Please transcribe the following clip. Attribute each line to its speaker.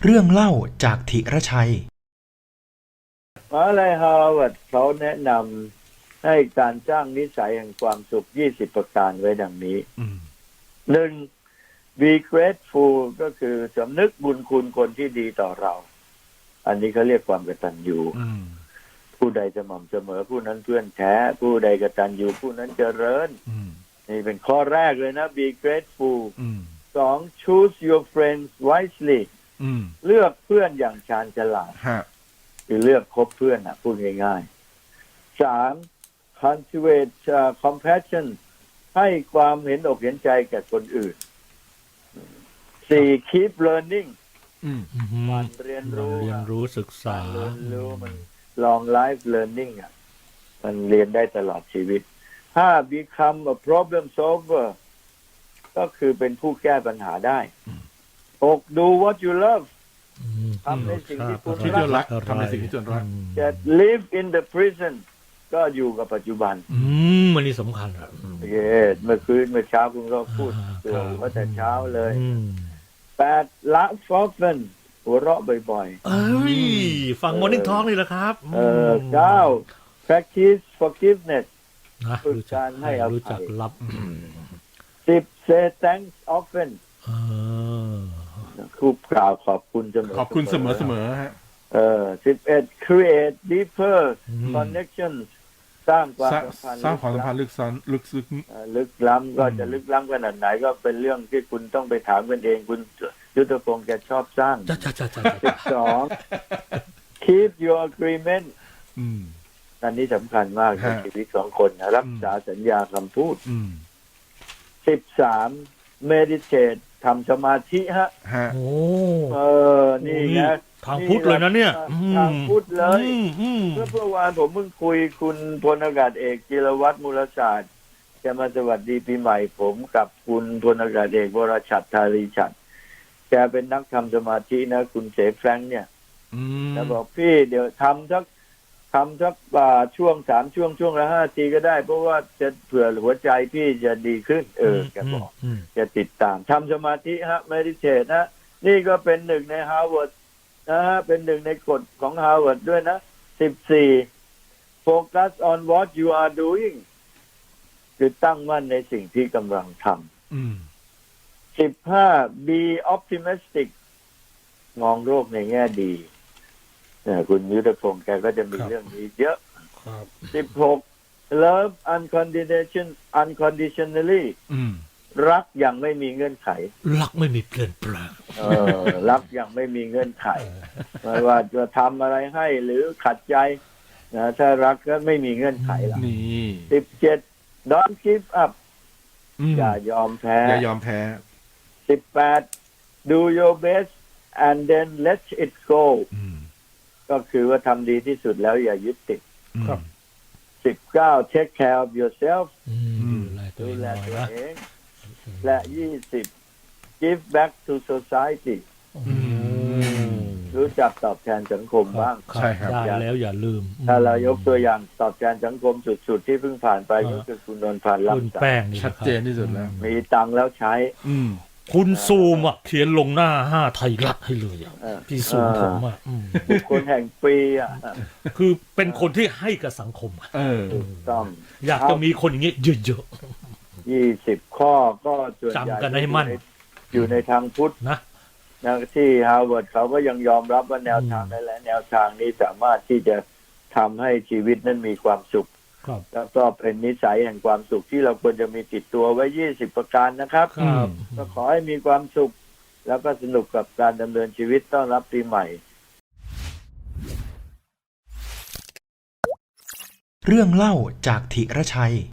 Speaker 1: เรื่องเล่าจากธีรชัย
Speaker 2: มหาวิทยาลัยฮาร์วาร์ดเขาแนะนำให้การสร้างนิสัยแห่งความสุข20ประการไว้ดังนี้1. be grateful ก็คือสำนึกบุญคุณคนที่ดีต่อเรา อันนี้เขาเรียกความกตัญญูผู้ใดสม่ำเสมอผู้นั้นเพื่อนแท้ผู้ใดกตัญญูผู้นั้นเจริญนี่เป็นข้อแรกเลยนะ be grateful 2. choose your friends wisely เลือกเพื่อนอย่างชาญฉลาดคือเลือกคบเพื่อนพูดง่ายๆ 3. cultivate compassion ให้ความเห็นอกเห็นใจแก่คนอื่น 4. keep learning มันเรียนรู้
Speaker 3: ศึกษา
Speaker 2: เรียนรู้มัน long life learning มันเรียนได้ตลอดชีวิต 5. become a problem solver ก็คือเป็นผู้แก้ปัญหาได้ 6. do what you love ทำในสิ่งที่คุณรัก
Speaker 3: ทำในสิ่งที่คุณรัก
Speaker 2: จะ live in the present ก็อยู่กับปัจจุบัน
Speaker 3: มันนี่สำคัญครับ
Speaker 2: เมื่อเช้าคุณก็พูดตัวว่าแต่เช้าเลย8. laugh often หัวเราะบ่อย
Speaker 3: ๆฟัง Morning Talk นี่แหละครับ
Speaker 2: 9. practice forgiveness ฝึกการให้อภัย
Speaker 3: รู้จักรับ
Speaker 2: 10. say thanks often คู่กล่าวขอบคุณเสมอ
Speaker 3: ขอบคุณเสมอฮะ
Speaker 2: 11. create deeper connections สร้างความสัมพันธ์
Speaker 3: ลึกซึ้ง
Speaker 2: ลึกล้ำก็จะลึกล้ำขนาดไหนก็เป็นเรื่องที่คุณต้องไปถามกันเองคุณยุทธพงศ์แกชอบสร้าง 12. keep your agreement อันนี้สำคัญมากในชีวิตของคนรักษาสัญญาคำพูด 13. meditate ทำสมาธินี่นะ
Speaker 3: ทางพุทธเลยนะเนี่ย
Speaker 2: ทางพุทธเลยเมื่อวานผมเพิ่งคุยคุณพลอากาศเอกจิรวัฒน์มูลศาสตร์จะมาสวัสดีปีใหม่ผมกับคุณพลอากาศเอกวรชัดธารีฉัตรแกเป็นนักทำสมาธินะคุณเสแฟรงค์เนี่ยแล้วบอกพี่เดี๋ยวทำสักช่วง3ช่วงละ5 ทีก็ได้เพราะว่าจะเผื่อหัวใจพี่จะดีขึ้นแกบอกจะติดตามทำสมาธิmeditate นี่ก็เป็นหนึ่งในฮาร์วาร์ดเป็นหนึ่งในกฎของฮาร์วาร์ดด้วยนะ 14. focus on what you are doing คือตั้งมั่นในสิ่งที่กำลังทำ 15. be optimistic มองโลกในแง่ดีคุณยุทธพงศ์แกก็จะมีเรื่องนี้เยอะ 16. love unconditionally รักอย่างไม่มีเงื่อนไข
Speaker 3: รักไม่มีเปลี่ยนแปลง
Speaker 2: รักอย่างไม่มีเงื่อนไขไม่ว่าจะทำอะไรให้หรือขัดใจถ้ารักก็ไม่มีเงื่อนไขละ17. don't give up อย่ายอมแพ้18. do your best and then let it go ก็คือว่าทำดีที่สุดแล้วอย่ายึดติด19. take care of yourself ดูแลตัวเองและ20. give back to society รู้จักตอบแทนสังคมบ้าง
Speaker 3: ใช่ครับแล้วอย่าลืม
Speaker 2: ถ้าเรายกตัวอย่างตอบแทนสังคมสุดๆที่เพิ่งผ่านไปก็คือคุณนนท์พันธ์
Speaker 3: คุณแป้งนี่
Speaker 2: ชัดเจนที่สุดแล้วมีตังค์แล้วใช้
Speaker 3: คุณซูมเขียนลงหน้า5ไทยรัฐให้เลยพี่ซูมผม
Speaker 2: คนแห่งปี
Speaker 3: คือเป็นคนที่ให้กับสังคม
Speaker 2: ต้อง
Speaker 3: อยากจะมีคนอย่างนี้เยอะ
Speaker 2: ๆ20 ข้อก็
Speaker 3: จำกันให้มั่น
Speaker 2: อยู่ในทางพุทธนะที่ฮาร์วาร์ดเขาก็ยังยอมรับว่าแนวทางนั้นและแนวทางนี้สามารถที่จะทำให้ชีวิตนั้นมีความสุขแล้วก็เป็นนิสัยแห่งความสุขที่เราควรจะมีติดตัวไว้20ประการนะครับก็ขอให้มีความสุขแล้วก็สนุกกับการดำเนินชีวิตต้อนรับปีใหม่
Speaker 1: เรื่องเล่าจากธีรชัย